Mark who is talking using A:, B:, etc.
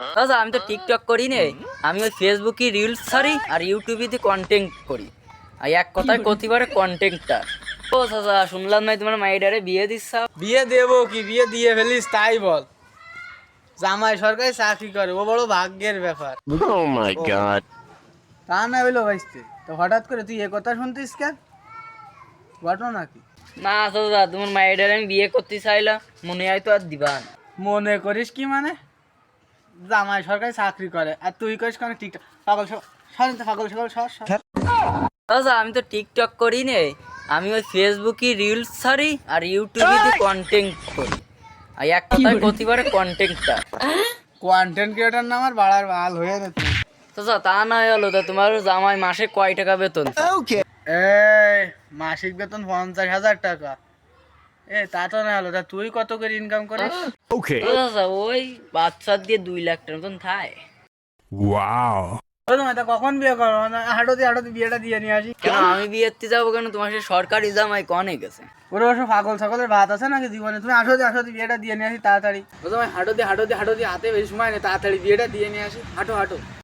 A: আচ্ছা আমি তো টিকটক করি নে, আমি ওই ফেসবুকে রিলস ছাড়ি আর ইউটিউবে কন্টেন্ট করি। আর এক কথায় কতিবারে কন্টেন্টটা। ও চাচা শুনলাম নাই তোমার মাইডারে বিয়ে দিচ্ছা?
B: বিয়ে দেবো কি, বিয়ে দিয়ে ফেলিস তাই বল। জামাই সরকারি চাকরি করে, ও বড় ভাগ্যের ব্যাপার।
C: Oh my god.
B: তা না হইলো ভাইস্তে, তো হঠাৎ করে তুই এ কথা শুনতিস কেন? ঘটনা কি?
A: না চাচা তোমার মাইডারে আমি বিয়ে করতে চাইলাম, মনে হয় তো আর দিবা না।
B: মনে করিস কি মানে? জামাই সরকারি চাকরি করে আর তুই করিস কেন টিকটক? পাগল সরেন তো, পাগল সকল সর।
A: আচ্ছা আমি তো টিকটক করি নে, আমি ওই ফেসবুকে রিলস ছাড়ি আর ইউটিউবে কন্টেন্ট করি। আর এক কথায় কতিবারে কন্টেন্টটা।
B: কন্টেন্ট ক্রিয়েটার না আমার বাড়ার বাল হয়ে যেত।
A: চাচা তা না হলো তা তোমার জামাই মাসে কয় টাকা বেতন?
B: এই মাসিক বেতন 50,000 টাকা। তা তো না হলো, তা তুই কত করে ইনকাম করিস?
C: Okay.
A: চাচা ওই বাচ্চা দিয়ে 2 লাখ টাকার মতন থায়।
C: Wow.
B: ও তোমার তা কখন বিয়ে করো? হাঁটো দিয়ে বিয়েটা দিয়ে নিয়ে আসি।
A: কেন আমি বিয়েতে যাবো কেন? তোমার সে সরকারি জামাই কনে গেছে?
B: ওরে ওসব পাগল সকলের ভাত আছে নাকি জীবনে? তুমি আসো দিয়ে বিয়েটা দিয়ে নিয়ে আসি তাড়াতাড়ি। ও তোমার হাঁটো দিয়ে হাতে বেশি সময় নেই, তাড়াতাড়ি বিয়েটা দিয়ে নিয়ে আসি। হাঁটো।